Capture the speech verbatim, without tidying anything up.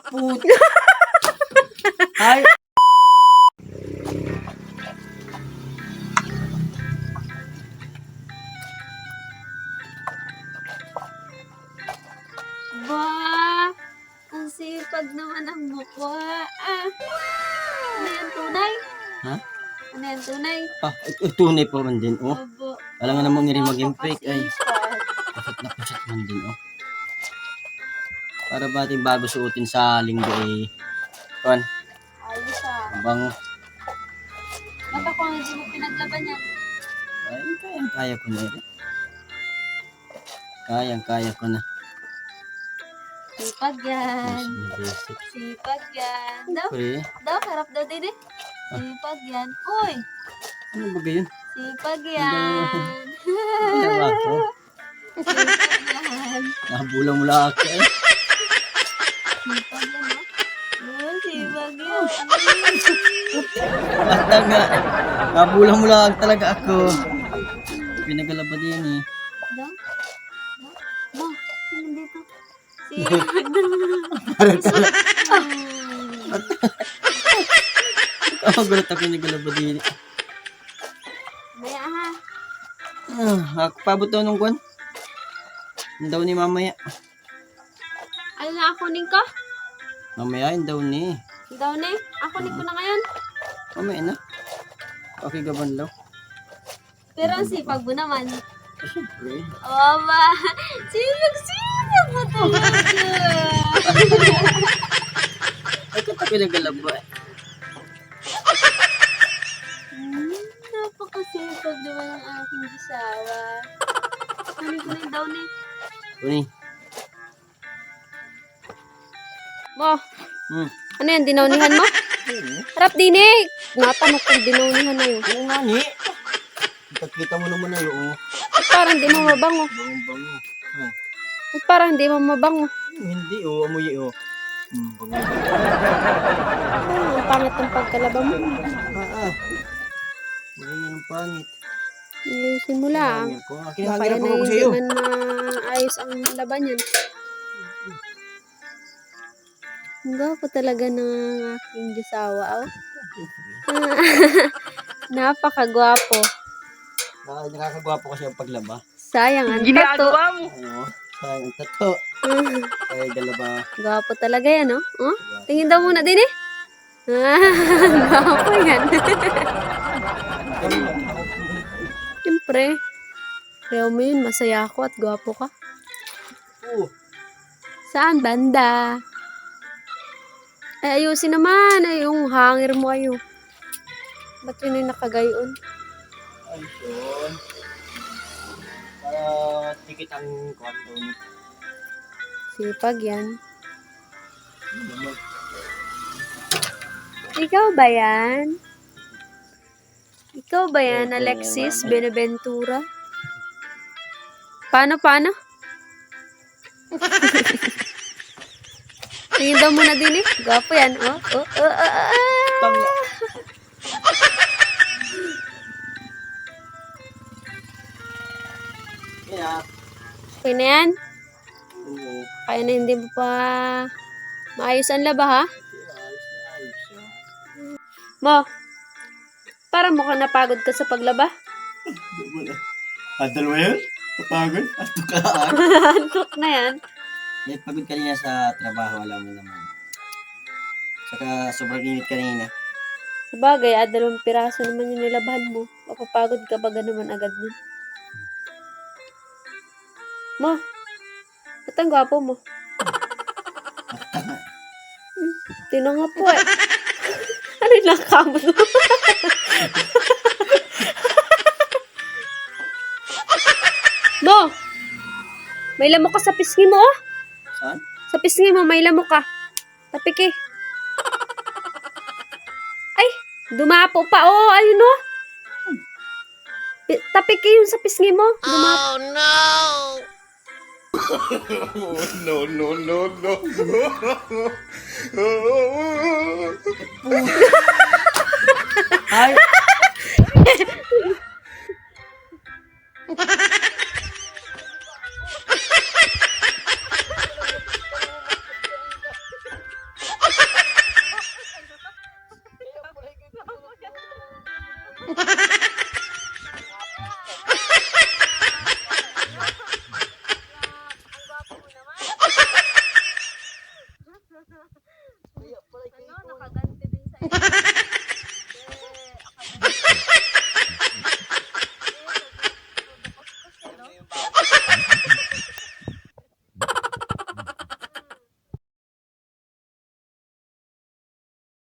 Put. Ay. Ba, ang sipag naman ang mukha. Ah, ano yan, tunay? Ha? Ano yan, tunay? Ah, ito tunay pa man din, oh. Opo. Alam nga namang ngiri maging fake, ay. Napakasipag. Pusat na pusat man din, oh. Para ba ating bago suotin sa linggo, eh. Kuan, Ayos ah. ang bango. Ba't ako hindi mo pinaglaban yan? Ay, kayang kaya ko na, eh. Kayang kaya ko na. Sipag yan. Basic na basic. Sipag yan. Daw, Pre, daw, harap daw din eh. Sipag yan. Uy, ano ba gayon? sipag yan. Ano ba ako? Sipag yan. Nabulang mo lang ako, eh. Sipag yan, oh. Oh, sipag yan. Basta nga, nabulang mo lang talaga ako. Pinagalaba din, eh. Daw? Daw? Ma, tingnan dito. Sipag na. Ako gulat ako pinagalaba din, eh. Maya ha. Ah, ako pabot daw nung kwan. Yun daw ni mamaya. Ano na akunin ko? Mamaya yun daw ni. Daw na eh. Akunin ko na ngayon. Mamaya na. Okay gaban daw. Pero ang sipag mo naman. Siyempre. Oh, ba? Sipag-sipag mo talaga. Ay, kata pinagalaba, eh. Hmm, napakasipag naman ang aking gisawa. Kunin ko na yung down eh. Uni. Mo, Hmm. ano yan? Dinaunihan mo? Harap din eh. Natanong kung dinaunihan na yun. Oo nga, ni. Kita mo naman na yun, oh. At parang di mo mabango. Bango, bango. Hmm. At parang di mo mabango. Hindi, oh. Amoy, oh. Hmm, bango. Oh, ang pangit ng pagkalaba mo. Ah, ah. Bango yan ang pangit. Ayusin mo lang. Bango ko. Baka Kinahangirap yan ako ay sa hindi iyo. man maayos ang laban yan. Ang gwapo talaga ng aking gisawa. Oh. Napakagwapo. Ah, nakakagwapo kasi ang paglaba. Sayang ang tato. Ano? Sayang ang tato. Ay, galaba. Gwapo talaga yan, oh. Oh? Tingin daw muna din eh. Gwapo yan. Siyempre. Kaya mo yun, masaya ako at gwapo ka. Oo. Saan banda? Ay, ayusin naman. Ay, yung hangir mo ayo. Ba't yun yung nakagayon? Ay, yun. Para tikit ang kwarto ni. Sipag yan. Ikaw ba yan? Ikaw ba yan, Alexis Benaventura? Paano, paano? Tingin daw muna din eh. Gwapo yan. Oh, oh, oh, oh, oh. Pang... Yeah. Okay na yan? Oo. Kaya na hindi mo pa maayos ang laba, ha? Ayos na ayos siya. Mo, parang mukhang napagod ka sa paglaba. Ah, dalawa yun? Kapagod? At tukaan? Antok na yan. May pagod kanina sa trabaho, alam mo naman. Saka sobrang init kanina. Sabagay, ah, dalawang piraso naman yung nilabahan mo. Mapapagod ka ba naman agad nun? Mo, ba't ang gwapo mo? Hmm, tino nga po eh. Ano yung nakamot mo? Mo, may lamok ka sa pisngi mo, oh. Saan? Sa pisngi mo, may lamok ka. Tapik eh. Ay, dumapo pa. Oh, ayun oh. Pi- Tapik eh yung sa pisngi mo. Dumapo. no, no, no, no. Ay!